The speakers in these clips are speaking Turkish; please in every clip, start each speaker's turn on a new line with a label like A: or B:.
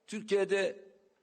A: Türkiye'de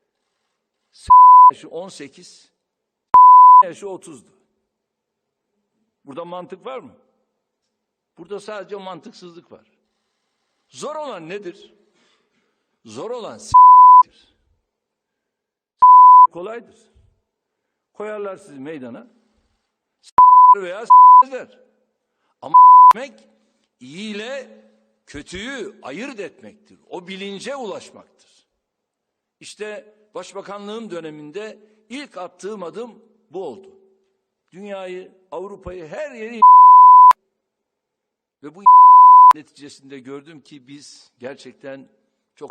A: yaşı 18, yaşı 30'du. Burada mantık var mı? Burada sadece mantıksızlık var. Zor olan nedir? Zor olan s***dir. Kolaydır. Koyarlar sizi meydana. Veya s***ler. Ama s***mek iyi ile kötüyü ayırt etmektir. O bilince ulaşmaktır. İşte başbakanlığım döneminde ilk attığım adım bu oldu. Dünyayı, Avrupa'yı, her yeri ve bu neticesinde gördüm ki biz gerçekten çok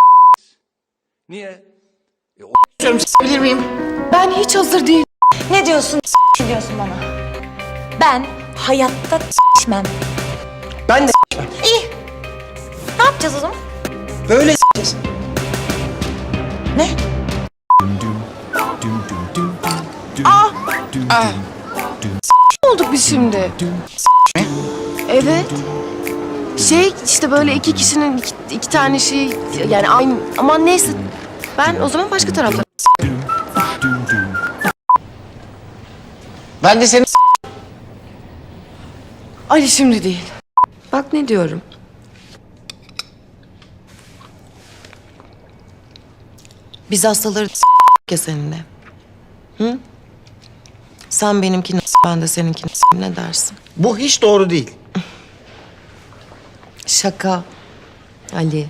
A: niye?
B: Bilir miyim?
C: Ben hiç hazır değilim.
D: Ne diyorsun? Ne diyorsun bana? Ben hayatta s**mem.
B: Ben de
D: İyi. Ne yapacağız o zaman?
B: böyle s***yiz.
D: Ne?
C: Ne olduk biz şimdi? Evet. İşte böyle iki kişinin iki tane şey yani aynı ama neyse ben o zaman başka tarafta.
B: Ben de seni
C: Ali şimdi değil. Bak ne diyorum. Biz hastaları ya seninle. Hı? Sen benimkini ben de seninkini ne dersin?
B: Bu hiç doğru değil.
C: Şaka. Ali.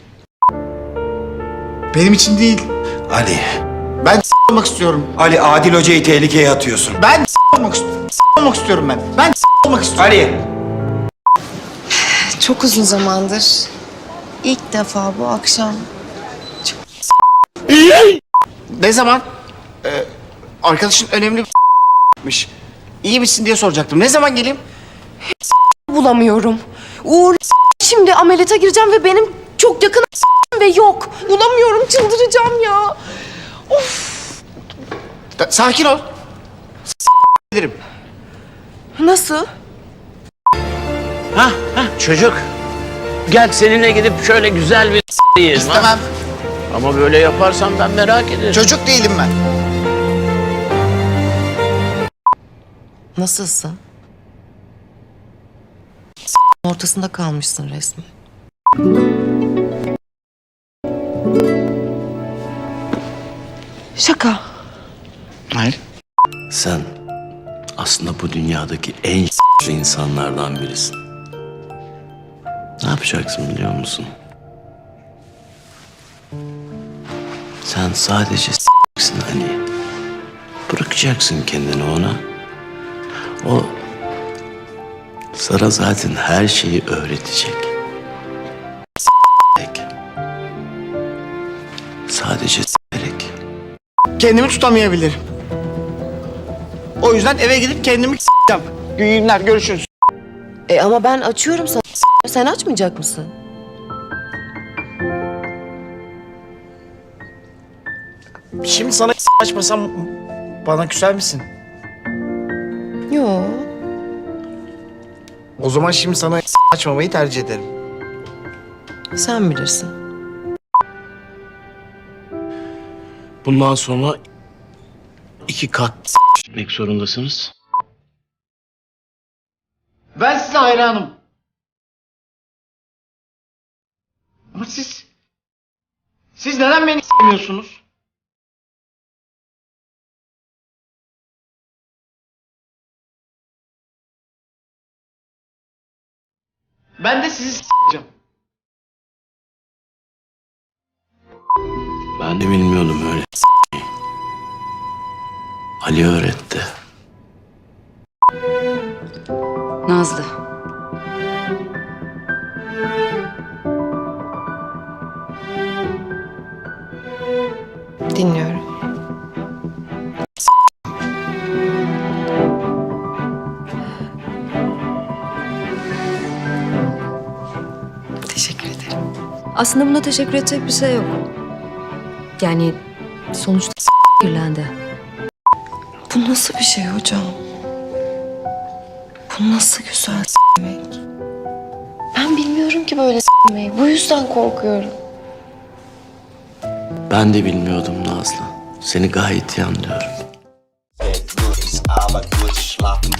B: Benim için değil.
E: Ali,
B: Ben olmak istiyorum.
E: Ali Adil Hoca'yı tehlikeye atıyorsun.
B: Ben olmak istiyorum. Olmak istiyorum ben. Ben olmak istiyorum.
E: Ali!
C: Çok uzun zamandır ilk defa bu akşam
B: Ne zaman? Arkadaşın önemli bir İyi misin diye soracaktım. Ne zaman geleyim?
C: bulamıyorum. Uğur şimdi ameliyata gireceğim ve benim çok yakın ve yok. Bulamıyorum, çıldıracağım ya.
B: Sakin ol. Ederim.
C: Nasıl?
F: Çocuk. Gel seninle gidip şöyle güzel bir yiyelim. ha?
B: İstemem.
F: Ama böyle yaparsan ben merak ederim.
B: Çocuk değilim ben.
C: Nasılsın? Ortasında kalmışsın resmen. Şaka.
B: Hayır.
F: Sen aslında bu dünyadaki en insanlardan birisin. Ne yapacaksın biliyor musun? Sen sadece s***sin Ali. Bırakacaksın kendini ona. O sana zaten her şeyi öğretecek. S***lik. Sadece s***lik.
B: Kendimi tutamayabilirim. O yüzden eve gidip kendimi s***eceğim. İyi günler, görüşürüz.
C: Ama ben açıyorum sana. Sen açmayacak mısın?
B: Şimdi sana açmasam bana küser misin?
C: Yo.
B: O zaman şimdi sana açmamayı tercih ederim.
C: Sen bilirsin.
F: Bundan sonra 2 kat s**mek zorundasınız.
B: Ben size hayranım. Ama siz neden beni sevmiyorsunuz? Ben de sizi s**eceğim.
F: Ben de bilmiyordum öyle s**meyi. Ali öğretti.
G: Nazlı.
C: Dinliyorum. Teşekkür ederim.
G: Aslında buna teşekkür edecek bir şey yok. Yani sonuçta kirlendi.
C: Bu nasıl bir şey hocam? Bu nasıl güzel s**mek? Ben bilmiyorum ki böyle s**meyi. Bu yüzden korkuyorum.
H: Ben de bilmiyordum Nazlı. Seni gayet iyi anlıyorum.
I: Gut ist aber gut, schlafen